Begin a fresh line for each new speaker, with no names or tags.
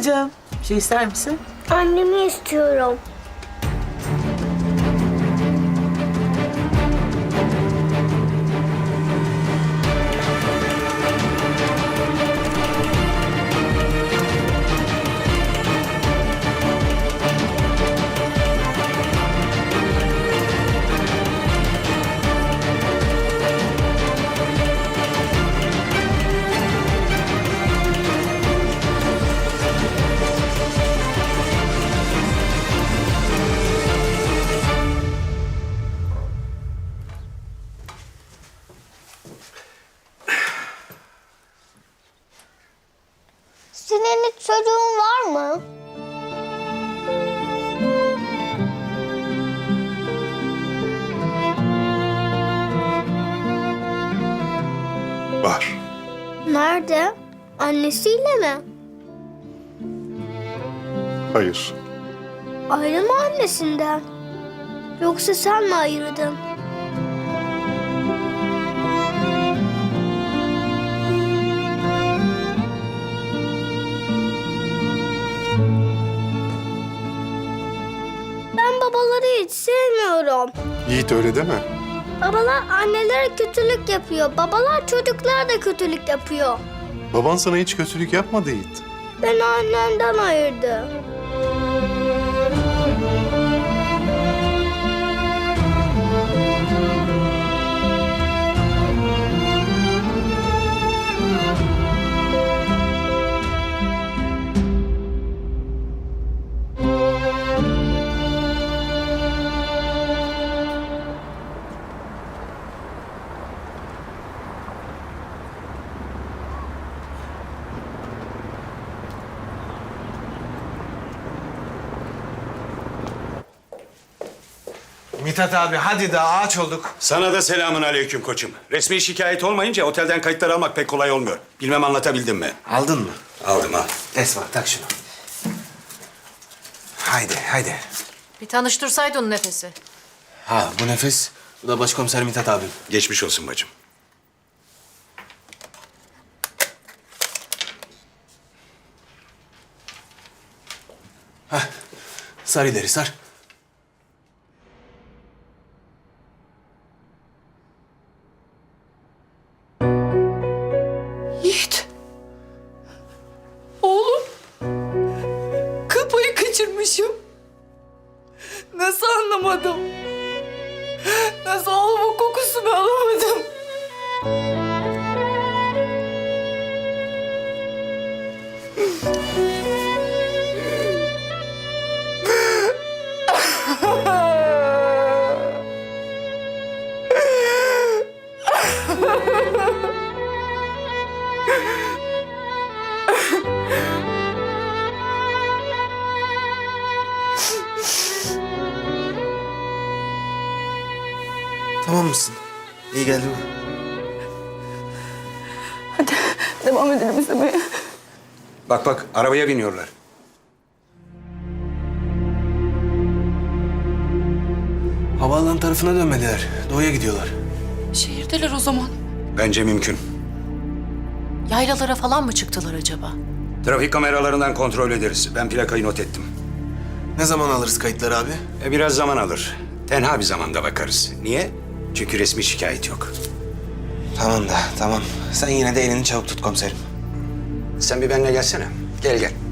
Babacığım, bir şey ister misin?
Annemi istiyorum. Senin hiç çocuğun var mı?
Var.
Nerede? Annesiyle mi?
Hayır.
Ayrı mı annesinden? Yoksa sen mi ayırdın? Ben babaları hiç sevmiyorum.
Yiğit öyle deme.
Babalar annelere kötülük yapıyor. Babalar çocuklara da kötülük yapıyor.
Baban sana hiç kötülük yapmadı Yiğit.
Beni annemden ayırdı.
Mithat abi hadi daha ağaç olduk.
Sana da selamun aleyküm koçum. Resmi şikayet olmayınca otelden kayıtlar almak pek kolay olmuyor. Bilmem anlatabildim mi?
Aldın mı?
Aldım al.
Esma tak şunu. Haydi haydi.
Bir tanıştırsaydın Nefes'i.
Ha bu Nefes, bu da başkomiser Mithat abim.
Geçmiş olsun bacım.
Sar ileri sar.
Yiğit. Oğlum. Kıl payı kaçırmışım. Nasıl anlamadım? Nasıl oğlumun kokusunu alamadım?
Tamam mısın? İyi geldi mi?
Devam edelim izlemeye.
Bak bak arabaya biniyorlar.
Havaalanı tarafına dönmediler. Doğuya gidiyorlar.
Şehirdeler o zaman.
Bence mümkün.
Yaylalara falan mı çıktılar acaba?
Trafik kameralarından kontrol ederiz. Ben plakayı not ettim.
Ne zaman alırız kayıtları abi?
Biraz zaman alır. Tenha bir zamanda bakarız. Niye? Çünkü resmi şikayet yok.
Tamam da tamam. Sen yine de elini çabuk tut komiserim.
Sen bir benimle gelsene. Gel gel.